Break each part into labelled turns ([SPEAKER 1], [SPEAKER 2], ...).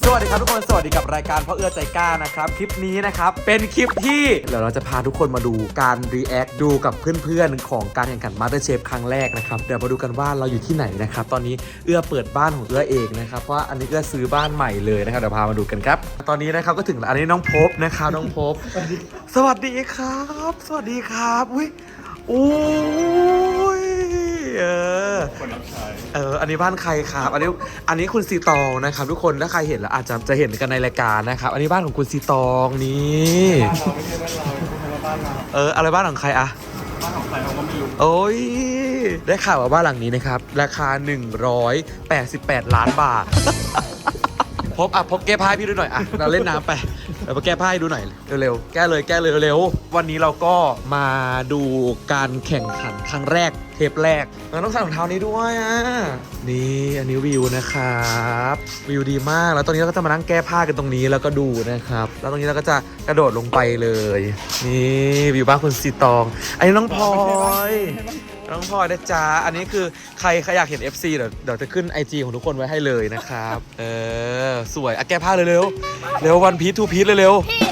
[SPEAKER 1] สวัสดีครับทุกคนสวัสดีกับรายการพ่อเอื้อใจกล้านะครับคลิปนี้นะครับเป็นคลิปที่เดี๋ยวเราจะพาทุกคนมาดูการรีแอคดูกับเพื่อนๆของการแข่งขัน MasterChef ครั้งแรกนะครับเดี๋ยวมาดูกันว่าเราอยู่ที่ไหนนะครับตอนนี้เอื้อเปิดบ้านของเอื้อเองนะครับเพราะว่าอันนี้เอื้อซื้อบ้านใหม่เลยนะครับเดี๋ยวพามาดูกันครับตอนนี้นะครับก็ถึงอันนี้น้องพบนะครับน้องพบสวัสดีครับสวัสดีครับอุ้ยโอ้ยอันนี้บ้านใครครับอันนี้คุณซีตองนะครับทุกคนถ้าใครเห็นแล้วอาจจะเห็นกันในรายการนะครับอันนี้บ้านของคุณซีตองนี่อะไรบ้านของใครอะบ้านของใครเราก็ไม่รู้โอ้ยได้ข่าวว่าบ้านหลังนี้นะครับราคา188 ล้านบาทพบแก้ผ้าพี่ดูหน่อยอะเราเล่นน้ำไปเราแก้ผ้าให้ดูหน่อยเร็วๆแก้เลยเร็ววันนี้เราก็มาดูการแข่งขันครั้งแรกเทปแรกเราต้องใส่รองเท้านี้ด้วยอ่ะนี่อันนี้วิวนะครับวิวดีมากแล้วตอนนี้เราก็จะมานั่งแก้ผ้ากันตรงนี้แล้วก็ดูนะครับแล้วตรงนี้เราก็จะกระโดดลงไปเลยนี่วิวบ้านคุณซีตองอันนี้น้องพลอยนะจ๊ะอันนี้คือใครอยากเห็น FC เดี๋ยวจะขึ้น IG ของทุกคนไว้ให้เลยนะครับสวยแก้ผ้าเร็ววันพีททูพีทเร็ว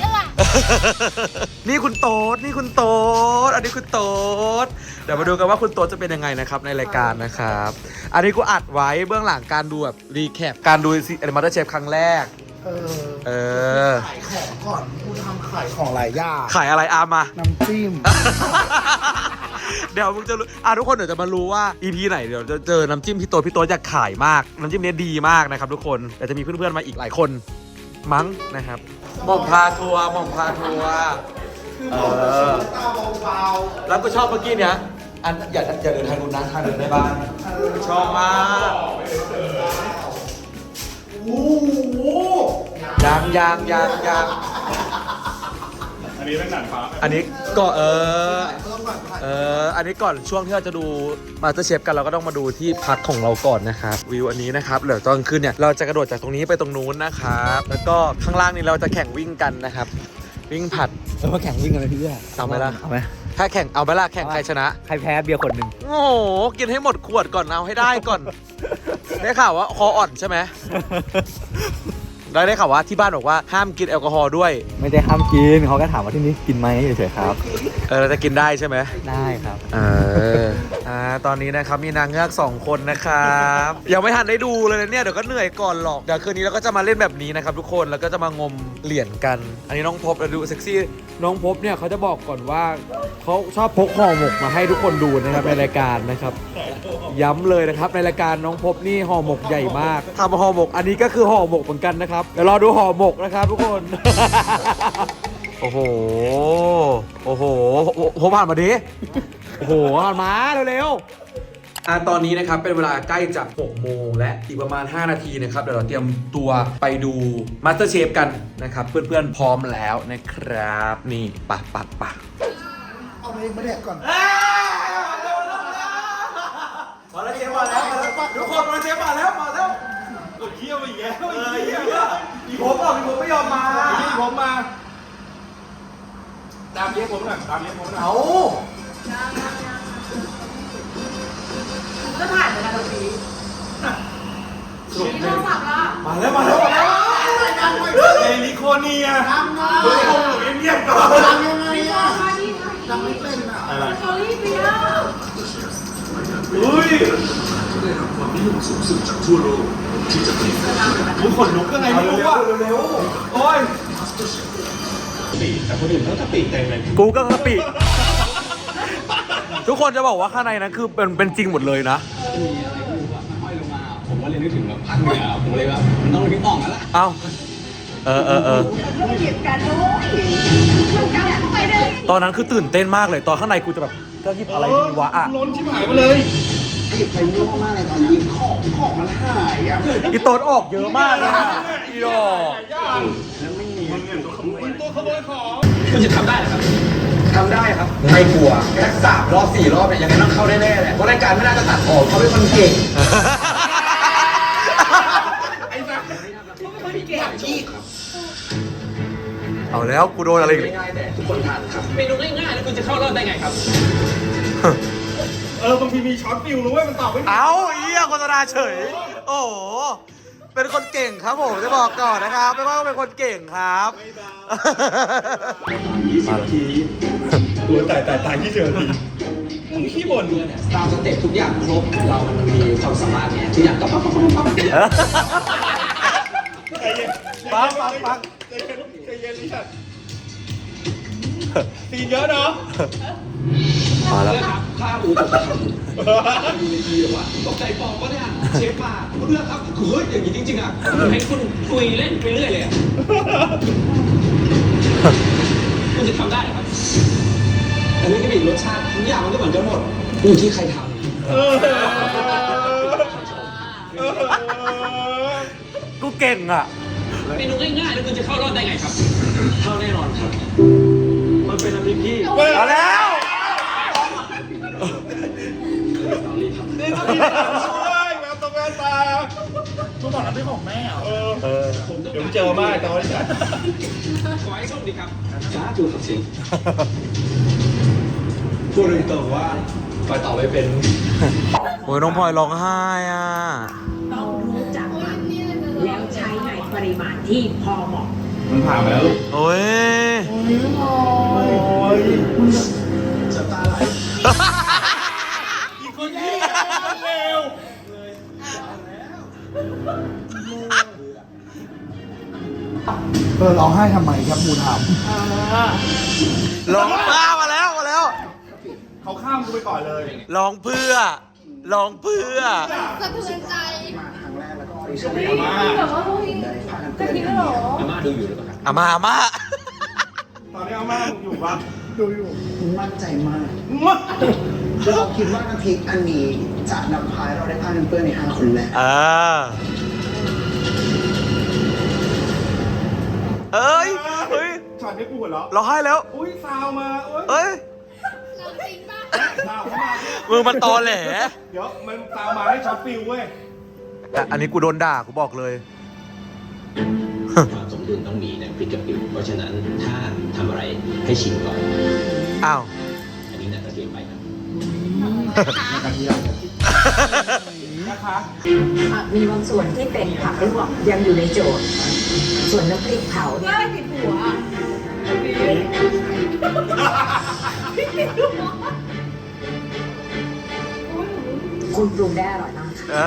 [SPEAKER 1] นี่คุณโต๊ดอันนี้คุณโต๊ดเดี๋ยวมาดูกันว่าคุณโต๊ดจะเป็นยังไงนะครับในรายการนะครับอันนี้กูอัดไว้เบื้องหลังการดูแบบรีแคปการดูMasterChef ครั้งแรก
[SPEAKER 2] ขายของก่อนกูทำขายของหลายอย่าง
[SPEAKER 1] ขายอะไรอามา
[SPEAKER 2] น้ำจิ้ม
[SPEAKER 1] เดี๋ยวมึงจะรู้ทุกคนเดี๋ยวจะมารู้ว่า EP ไหนเดี๋ยวจะเจอน้ำจิ้มพี่โต๊ดอยากขายมากน้ำจิ้มนี้ดีมากนะครับทุกคนเดี๋ยวจะมีเพื่อนๆมาอีกหลายคนมั้งนะครับหม่อมพาทัวร์แล้วก็ชอบเมื่อกี้เนี้ยอย่าเดินทางนู้นนะทางเดินในบ้านชอบมากโอ้โหยัง
[SPEAKER 3] อันนี้เป็นหนังฟ้า
[SPEAKER 1] อันนี้ก็อันนี้ก่อนช่วงที่เราจะดู MasterChef กันเราก็ต้องมาดูที่พักของเราก่อนนะครับวิวอันนี้นะครับเดี๋ยวตอนขึ้นเนี่ยเราจะกระโดดจากตรงนี้ไปตรงนู้นนะครับแล้วก็ข้างล่างนี้เราจะแข่งวิ่งกันนะครับวิ่งผัด
[SPEAKER 2] มาแข่งวิ่งกันเลยพี่เอื้อ
[SPEAKER 1] เอาไหมล่ะ
[SPEAKER 2] เอาไหม
[SPEAKER 1] ถ้าแข่งเอาไหมล่ะแข่งใครชนะ
[SPEAKER 2] ใครแพ้เบียร์คนหนึ่ง
[SPEAKER 1] โอ้โหกินให้หมดขวดก่อนเอาให้ได้ก่อนได้ข่าวว่าคออ่อนใช่ไหมได้ข่าวว่าที่บ้านบอกว่าห้ามกินแอลกอฮอล์ด้วย
[SPEAKER 2] ไม่ได้ห้ามกินเขาก็ถามว่าที่นี้กินไหมเฉยๆครับ
[SPEAKER 1] เราจะกินได้ใช่ไหม
[SPEAKER 2] ได้ครับ
[SPEAKER 1] ตอนนี้นะครับมีนางเงือก2 คนนะครับยังไม่ทันได้ดูเลยเนี่ยเดี๋ยวก็เหนื่อยก่อนหรอกเดี๋ยวคืนนี้เราก็จะมาเล่นแบบนี้นะครับทุกคนแล้วก็จะมางมเหรียญกันอันนี้น้องพบดูเซ็กซี่น้องพบเนี่ยเขาจะบอกก่อนว่าเขาชอบพกห่อหมกมาให้ทุกคนดูนะครับในรายการนะครับย้ำเลยนะครับในรายการน้องพบนี่ห่อหมกใหญ่มากทำห่อหมกอันนี้ก็คือห่อหมกเหมือนกันนะครับเดี๋ยวรอดูห่อหมกนะครับทุกคนโอ้โหผมผ่านมาดิโอ้โหผ่านมาเร็วๆตอนนี้นะครับเป็นเวลาใกล้จะ6 โมงและอีกประมาณ5 นาทีนะครับเดี๋ยวเราเตรียมตัวไปดู MasterChef กันนะครับเพื่อนๆพร้อมแล้วนะครับนี่ปะ
[SPEAKER 2] เอาไปแดกก่อน
[SPEAKER 1] มาแล้วเชฟมาแล้วทุกคนมาเชฟมาแล้ว
[SPEAKER 3] กดเขี้ยวอีกแล้ว
[SPEAKER 1] มีผมไม่ยอมมา
[SPEAKER 3] ผมมาตามเลี้ยงผมหน่อย
[SPEAKER 1] เอา
[SPEAKER 4] ก็ถ่ายเหมือนกันตรงนี้มีโทรศัพท์ละ
[SPEAKER 1] มาแล้ว
[SPEAKER 3] เอลิโคเนียเฮ้ยผมอยู่เงียบๆก่อน
[SPEAKER 4] ทำยังไงอ่ะทำไม่เป็นอ่ะสตอรี่เปีย
[SPEAKER 3] ได้รับความนิยมสูงสุดจากทั่วโลกที่จะผลิตคุณขนลุกยังไงไม่รู้อ่ะเร็วโอ้ยแต่คนอื่นเขากะปิเต็มเลย
[SPEAKER 1] กูก็กะปิทุกคนจะบอกว่าข้างในนั้นคือเป็นจริงหมดเลยนะ
[SPEAKER 5] มีอะไรไม่รู้อะมันห้อยลงมาผมก็เลยนึกถึงแบบภาคเหนือผมเลยแบบมันต้องนึกออกแล้วล่ะ
[SPEAKER 1] เอ้าตอนนั้นคือตื่นเต้นมากเลยตอนข้างในกูจะแบบจะหยิบอะไรดีวะอ่ะ
[SPEAKER 3] ล้นชิบหายมาเลย
[SPEAKER 5] หยิบไปเยอะมากเลยตอนนั้นของมันหายอ่ะ
[SPEAKER 1] อีโต๊ดออกเยอะมากเลยอีดอก
[SPEAKER 5] แล้วไม่มี
[SPEAKER 3] ตัวขโมยของ
[SPEAKER 5] คุณจะทำได้เหรอครับ
[SPEAKER 1] ทำได้ครับไม่กลัวแค่3 รอบ 4 รอบเนี่ยยังไงต้องเข้าแน่ๆแหละเพราะรายการไม่น่าจะตัดออกเขาเป็นคนเก่งเอาแล้วกูโดนอะไร
[SPEAKER 5] ง่ายๆแต่ทุกคนทานครับเมนูง่ายๆแล้วคุณจะเข้ารอบได้ไงครับ
[SPEAKER 3] บางทีมีช็อตฟิวรู้ไหมมันตอบไม่ถูก
[SPEAKER 1] เอาโฆษณาเฉยโอ้เป็นคนเก่งครับผมจะบอกก่อนนะครับไม่ว่าเป็นคนเก่งครับ
[SPEAKER 3] 20 ทีตัวตาย20 นาทีมึงขี้บ่น
[SPEAKER 5] ตามสเต็ปทุกอย่างครบเรามันมีความสามารถเนี่ยทุกอย่างก็ปั๊บ
[SPEAKER 3] ใจเย็น
[SPEAKER 1] ปัง
[SPEAKER 3] ใจเย็นลิชัดตีนเยอะเนาะ
[SPEAKER 1] มาแล้ว
[SPEAKER 5] ครับข้าอูตกใจดูในทีว่าตกใจปองวะเนี่ยเชฟมาเลือกครับเฮ้ยอย่างนี้จริงๆอ่ะให้คุณคุยเล่นไปเรื่อยเลยคุณจะทำได้เหรอครับอันนี้ก็มีรสชาติทุกอย่างมันก็เหมือนกันหมดอยู่ที่ใครทำ
[SPEAKER 1] กูเก่งอ่ะ
[SPEAKER 5] เมนูง่ายๆแล้วคุณจะเข้ารอบได้ไงครับ เข้าแน่นอนครับ มันเป็นน้ำพริกที่
[SPEAKER 1] มาแล้ว
[SPEAKER 3] นี่ต้องมีด้วยแววตรงแววตา
[SPEAKER 2] ทุกบอกนั้นเป็นของแม่เหรอ
[SPEAKER 3] เดี๋ยวเจอมากตอนนี้
[SPEAKER 5] ขอให้โชคดีครับสาธุครับสิพูดตรงๆว่าไปต่อไม่เป็น
[SPEAKER 1] โอ้ยน้องพลอยร้องไห้อ่ะ
[SPEAKER 6] ต้องรู้จักมันแล้วใช้ในปริมาณที่พอเหมาะ
[SPEAKER 3] มันผ่านมาแล้วลูก
[SPEAKER 1] โอ้ย
[SPEAKER 3] อีกคนนี้เร็ว
[SPEAKER 2] ร้องไห้ทำไมครับมูถาม
[SPEAKER 1] ร้องมาแล้วมาแล้ว
[SPEAKER 3] เขาข้ามกูไปก่อนเลย
[SPEAKER 1] ร้องเพื่อร้องเพื่อ
[SPEAKER 4] สะเทือนใจ
[SPEAKER 2] มาครั้งแรกแล้วก็
[SPEAKER 4] แบบว่าเฮ้ยจะทิ้งแล้วเหรอ
[SPEAKER 5] อาม่าดูอยู่หรือเปล่าครับ
[SPEAKER 1] อามา
[SPEAKER 3] ตอนนี้อาม่ามึงอยู่ปะ
[SPEAKER 2] ดูอยู่มั่นใจมาก
[SPEAKER 3] มา
[SPEAKER 2] เราคิดว่าน้ำพริกอันนี้จะนำพาให้เราได้ผ้ากันเปื้อนใน5 คนแรก
[SPEAKER 1] เอ้ยเฮ้ย
[SPEAKER 3] ช็อตนี้กูหัวเราะ
[SPEAKER 1] ร้องไห้แล้ว
[SPEAKER 3] อุ้ยซาวมาอุ้ย
[SPEAKER 1] เอ้ย
[SPEAKER 4] เราจริงป่ะ
[SPEAKER 3] ซาวเข้ามา
[SPEAKER 1] มือมันตอแหล
[SPEAKER 3] เดี๋ยวมันซาวมาให้ช็อตฟิลเว้ย
[SPEAKER 1] อันนี้กูโดนด่ากูบอกเลย
[SPEAKER 5] ความสมดุลต้องมีในพริกกับปิวเพราะฉะนั้นถ้าทำอะไรให้ชิมก่อน
[SPEAKER 1] อ้าว
[SPEAKER 5] อันนี้น่าจะเกินไปครับ
[SPEAKER 3] นะคะ
[SPEAKER 6] มีบางส่วนที่เป็นผักลวกยังอยู่ในโจทย์ ส่วนน้ำพริกเผาเนี่ย
[SPEAKER 4] ได้ผิดหัวอ่ะ
[SPEAKER 6] คุณปรุงได้อร่อยมากค่ะ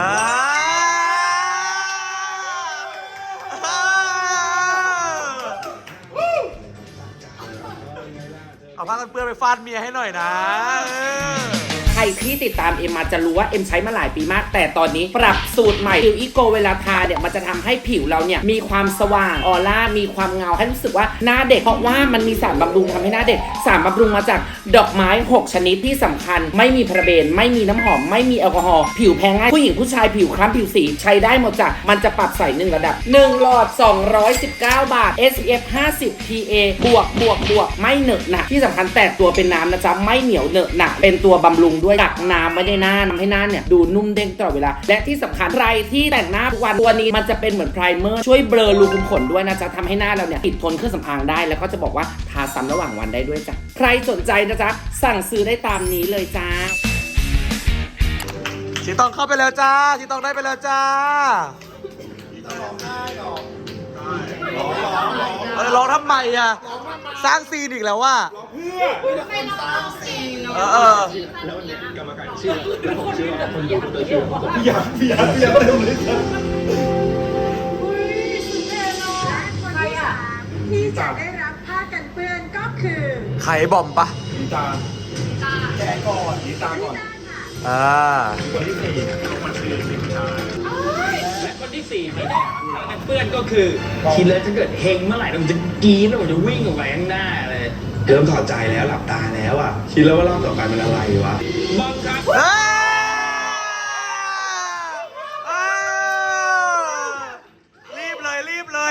[SPEAKER 1] เอาผ้ากันเปื้อนไปฟาดเมียให้หน่อยนะ
[SPEAKER 7] ใครที่ติดตามเอ็มมาจะรู้ว่าเอ็มใช้มาหลายปีมาก แต่ตอนนี้ปรับสูตรใหม่ผิวอีโกเวลาทาเนี่ยมันจะทำให้ผิวเราเนี่ยมีความสว่างออร่ามีความเงาให้รู้สึกว่าหน้าเด็กเพราะว่ามันมีสารบำรุงทำให้หน้าเด็กสารบำรุงมาจากดอกไม้6ชนิดที่สำคัญไม่มีพาราเบนไม่มีน้ำหอมไม่มีแอลกอฮอล์ผิวแพ้ง่ายผู้หญิงผู้ชายผิวคล้ำผิวสีใช้ได้หมดจ้ะมันจะปรับใส่1ระดับ1หลอด219 บาท SPF 50 PA บวกไม่เหนอะหนะที่สำคัญแตกตัวเป็นน้ำนะจ๊ะไม่เหนียวเหนอะหนะเป็นตัวบำรุงด้วยกักน้ำไม่ได้หน้าทำให้หน้าเนี่ยดูนุ่มเด้งตลอดเวลาและที่สำคัญใครที่แต่งหน้าทุกวันตัวนี้มันจะเป็นเหมือนไพรเมอร์ช่วยเบลอรูขุมขนด้วยนะจ๊ะทำให้หน้าเราเนี่ยติดทนเครื่องสำอางได้แล้วก็จะบอกว่าทาซ้ำระหว่างวันได้ด้วยจ้ะใครสนใจนะจ๊ะสั่งซื้อได้ตามนี้เลยจ้า
[SPEAKER 1] ชีตองเข้าไปแล้วจ้าชีตองได้ไปแล้วจ้าร้องทำไมอ่ะ สร้างซีนอีกแล้วว่า
[SPEAKER 4] ไม่ร้องสิ
[SPEAKER 5] แล้วเนี่ยกรรมการเชื่อและผมเชื่อว่าคนดูตัวเชื่อว่าผม
[SPEAKER 3] อยากเต็มเลยจ้ะ
[SPEAKER 4] อุ้ยสุดเท่เนาะใครอ่ะ
[SPEAKER 6] ที่จะได้รับผ้ากันเปื้อนก็คือ
[SPEAKER 1] ไข่บอมปะ
[SPEAKER 3] ดีตาแกก่อนดีตาก่อน
[SPEAKER 1] อ่า
[SPEAKER 3] คนที่สี่คนที่สี่ผู้ชาย
[SPEAKER 5] และคนที่4ที่ได้รับเพื่อนก็คือคิดเลยถ้าเกิดเฮงเมื่อไหร่ผมจะกรี๊ดแล้วผมจะวิ่งออกไปข้างหน้าเลย
[SPEAKER 3] เริ่มถอดใจแล้วหลับตาแล้วอ่ะคิดแล้วว่ารอบต่อไปมันอะไรวะ
[SPEAKER 5] บอมครับ
[SPEAKER 1] รีบเลยรีบเลย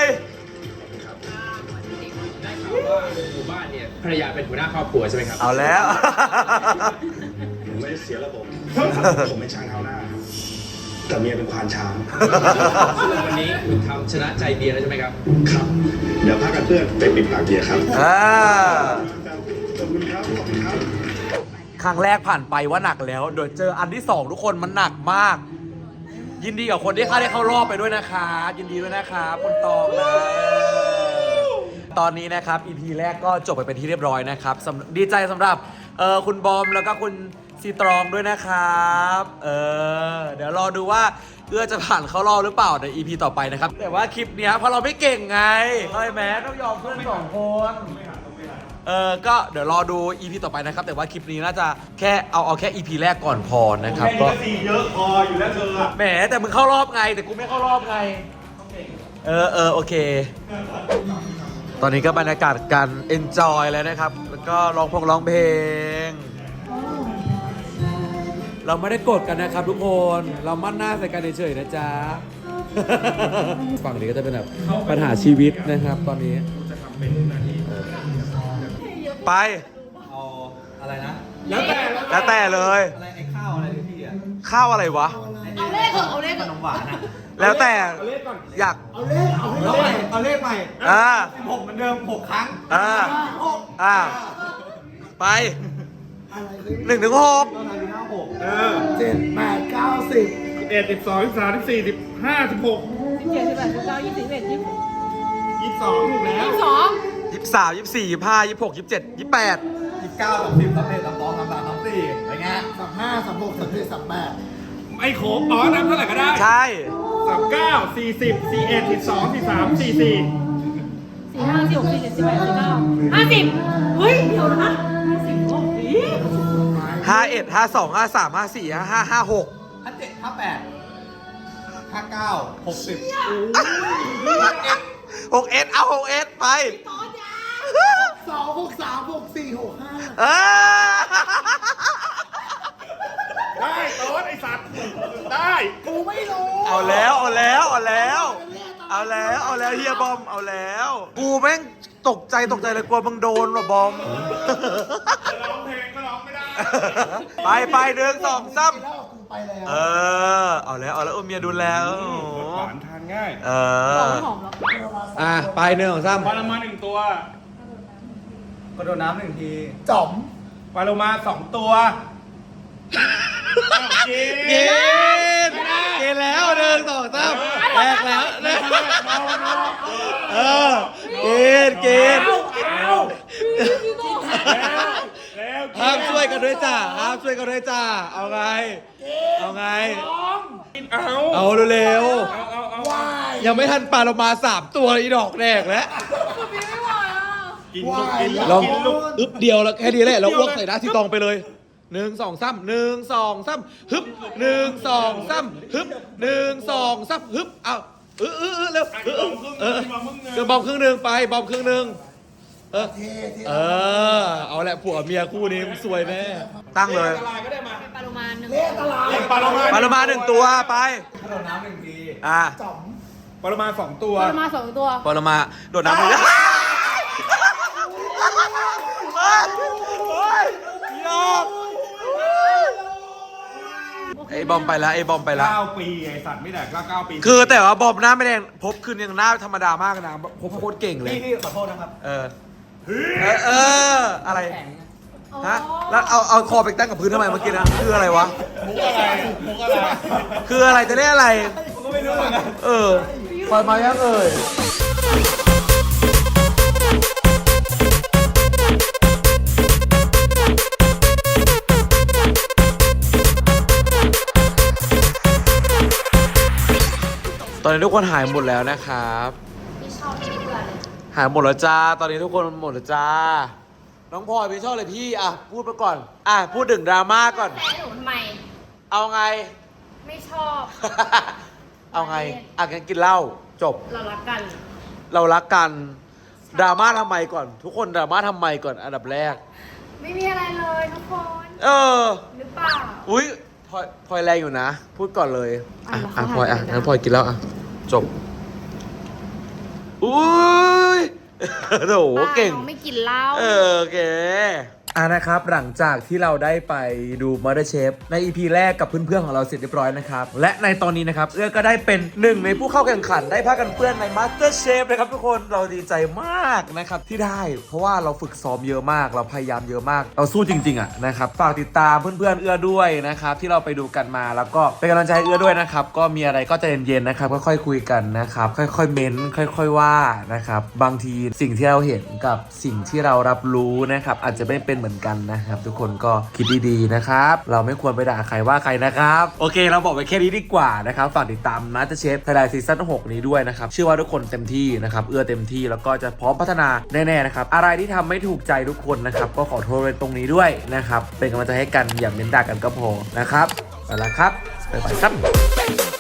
[SPEAKER 5] ได้ข่าวว่าหมู่บ้านเนี่ยภรรยาเป็นหัวหน้าครอบครัวใช่ไหมครับ
[SPEAKER 1] เอาแล้ว
[SPEAKER 3] ผมไม่ได้เสียระบบ ผมเป็นช้างเท้าหน้าครับแต่เมียเป็นควานช้าง
[SPEAKER 5] วันนี้คุณทำชนะใจเบียร์แล้วใช่ไหมครับ
[SPEAKER 3] ครับ เดี๋ยวพักกันเพื่อนไปปิดปากเบียร์ครับ
[SPEAKER 1] อ่า
[SPEAKER 3] ขอบคุณครับ ขอบคุณครับ
[SPEAKER 1] ครั้งแรกผ่านไปว่าหนักแล้ว เดี๋ยวเจออันที่ 2 ทุกคนมันหนักมากยินดีกับคนที่ได้เข้ารอบไปด้วยนะครับยินดีด้วยนะครับคุณตองนะตอนนี้นะครับ EP แรกก็จบไปเป็นที่เรียบร้อยนะครับดีใจสำหรับคุณบอมแล้วก็คุณซีตรองด้วยนะครับเดี๋ยวรอดูว่าเอื้อจะผ่านเข้ารอบหรือเปล่าใน EP ต่อไปนะครับแต่ว่าคลิปเนี้ยเพราะเราไม่เก่งไงเข้าใจไหมต้องยอมเพื่อน2 คนก็เดี๋ยวรอดู EP ต่อไปนะครับแต่ว่าคลิปนี้น่าจะแค่เอาแค่ EP แรกก่อนพอนะครับก็
[SPEAKER 3] เยอะพออยู่แล้วเธอ
[SPEAKER 1] แหมแต่มึงเข้ารอบไงแต่กูไม่เข้ารอบไงโอเค ตอนนี้ก็บรรยากาศการ enjoy แล้วนะครับแล้วก็ร้องเพลงเราไม่ได้กดกันนะครับทุกคนเรามั่นหน้าใส่กันเฉยๆนะจ๊ะ ฝั่งนี้ก็จะเป็นแบบปัญหาชีวิตนะครับตอนนี้ไป
[SPEAKER 2] เอาอะไรนะ
[SPEAKER 1] แล้วแต่เลย
[SPEAKER 2] อะไรไอ้ข้าวอะไรที่พี่อ่ะ
[SPEAKER 1] ข้าวอะไรวะ
[SPEAKER 4] เอาเลขเถอะเอาเลข
[SPEAKER 2] ขนมหวานอ่ะ
[SPEAKER 1] แล้วแต่อยาก
[SPEAKER 2] เอาเลขใหม่ 16เหมือนเดิม6 ครั้ง
[SPEAKER 1] ไป1 ถึง 6
[SPEAKER 2] 7 8 9 10
[SPEAKER 3] 11 12 13 14 15 16
[SPEAKER 4] 17 18 19 20 21
[SPEAKER 3] 22ถูกแล้ว
[SPEAKER 4] 22
[SPEAKER 1] 23 24 25 26 27 28
[SPEAKER 2] 29 30 31 32 33 34อะไรเงี้ย35 36 37 38
[SPEAKER 3] ไอ้โขงอ๋อนับเท่าไหร่ก็ได้
[SPEAKER 1] ใช่
[SPEAKER 3] 39 40 41 42 43 44
[SPEAKER 4] 45 46 47 48 49 50 เฮ้ย เดี๋ยวนะ50โอ้ย
[SPEAKER 1] 51 52 53 54 55 56
[SPEAKER 2] 57 58 59 60
[SPEAKER 1] 6S เอา 6S ไป
[SPEAKER 2] 2 6 3 6 4 6 5
[SPEAKER 3] ได้โต๊ดไอ้สัตว์ ได้
[SPEAKER 2] กูไม่รู้
[SPEAKER 1] เอาแล้วเฮียบอมเอาแล้วกูแม่งตกใจเลยกลัวมึงโดนว่ะบอม
[SPEAKER 3] ร้องเพลงก็ร้องไม่ได้
[SPEAKER 1] ไป1 2 3
[SPEAKER 2] แล้วกูไปแล้ว
[SPEAKER 1] เอาแล้วเมียดูแล้ว
[SPEAKER 3] หวานทานง่าย
[SPEAKER 4] หอมแล้ว
[SPEAKER 1] ไป1 2 3
[SPEAKER 3] ปลาโลมา1 ตัว
[SPEAKER 2] กระโดดน้ำ1 ทีจ๋อม
[SPEAKER 3] ปลาโลมา2 ตัว
[SPEAKER 1] กินแล้ว1 2 3แรกแล้วกินห้ามช่วยกันด้วยจ้าเอาไงเอาเร็วๆยังไม่ทันปลาเรามา3 ตัวอีดอกแรกแล้ว
[SPEAKER 4] ไม่ไหวอ่ะ
[SPEAKER 3] กินลูกกิน
[SPEAKER 1] ลอง
[SPEAKER 3] ลูก
[SPEAKER 1] อึบเดียวแล้วแค่นี้แหละเราอ้วกใส่หน้าที่ตองไปเลย1 2 3 1 2 3ฮึบ1 2 3ฮึบ1 2 3ฮึบเอาเร็วเดี๋ยวบอมครึ่งหนึ่งไปบอมครึ่งหนึ่งเอาแหละผัวเมียคู่นี้สวยแน่ตั้งเลย
[SPEAKER 4] ปลาโลมาหนึ่ง
[SPEAKER 3] ปลาโลมา
[SPEAKER 1] ปลาโลมา1 ตัวไป
[SPEAKER 2] กระโดดน้ำ1 ที
[SPEAKER 1] จ๋อม
[SPEAKER 3] ปลาโลมา2 ตัว
[SPEAKER 4] ปลาโลมา2 ตัว
[SPEAKER 1] ปลาโลมาโดดน้ำเลยยอกไอ้บอมไปแล้ว
[SPEAKER 3] 9 ปีไอ้สัตว์ไม่แดกก็9 ปี
[SPEAKER 1] คือแต่ว่าบอมหน้าไม่แดงพบคืนยังหน้าธรรมดามากนะพบโคตรเก่งเลย
[SPEAKER 2] พี่ขอโทษนะครับ
[SPEAKER 1] อะไรฮะแล้วเอาคอไปตั้งกับพื้นทำไมเมื่อกี้นะคืออะไรวะ
[SPEAKER 3] มุกอะไร
[SPEAKER 1] คืออะไรจะได้อะไร
[SPEAKER 2] ผมก็ไม่รู้เหมือนกัน
[SPEAKER 1] ปล่อยมายังตอนนี้ทุกคนหายหมดแล้วนะครับหายหมดแล้วจ้าตอนนี้ทุกคนหมดแล้วจ้าน้องพลอยพี่ชอบเลยพี่พูดไปก่อนพูดถึงดราม่าก่อน
[SPEAKER 4] แฟนหนูทำไม
[SPEAKER 1] เอาไง
[SPEAKER 4] ไม่ชอบ
[SPEAKER 1] เอาไงงั้นกินเหล้าจบ
[SPEAKER 4] เรารักกัน
[SPEAKER 1] เรารักกันดราม่าทำไมก่อน ทุกคนดราม่าทำไมก่อนอันดับแรก
[SPEAKER 4] ไม่มีอะไรเลยทุกคน หรือเปล่า
[SPEAKER 1] อุ้ยพลอยแรงอยู่นะ พูดก่อนเลยพลอยงั้นพลอยกินแล้วจบอุ้ยโถเก่ง
[SPEAKER 4] น้องไม่กินเหล้า
[SPEAKER 1] โอเคนะครับหลังจากที่เราได้ไปดู MasterChef ใน EP แรกกับเพื่อนๆของเราเสร็จเรียบร้อยนะครับและในตอนนี้นะครับเอื้อก็ได้เป็นหนึ่งในผู้เข้าแข่งขันได้ผ้ากันเปื้อนใน MasterChef นะครับทุกคนเราดีใจมากนะครับที่ได้เพราะว่าเราฝึกซ้อมเยอะมากเราพยายามเยอะมากเราสู้จริงๆอ่ะนะครับฝากติดตามเพื่อนๆเอื้อด้วยนะครับที่เราไปดูกันมาแล้วก็เป็นกำลังใจให้เอื้อด้วยนะครับก็มีอะไรก็ใจเย็นๆนะครับค่อยๆคุยกันนะครับค่อยๆเม้นค่อยๆว่านะครับบางทีสิ่งที่เราเห็นกับสิ่งที่เรารับรู้นะครับอาจจะไม่เป็นเหมือนกันนะครับทุกคนก็คิดดีๆนะครับเราไม่ควรไปด่าใครว่าใครนะครับโอเคเราบอกไปแค่นี้ดีกว่านะครับฝากติดตาม MasterChef Thailand Season 6 นี้ด้วยนะครับเชื่อว่าทุกคนเต็มที่นะครับเอื้อเต็มที่แล้วก็จะพร้อมพัฒนาแน่ๆนะครับอะไรที่ทำไม่ถูกใจทุกคนนะครับก็ขอโทษในตรงนี้ด้วยนะครับเป็นกำลังใจให้กันอย่าเม้นด่ากันก็พอนะครับไปแล้วครับบ๊ายบายครับ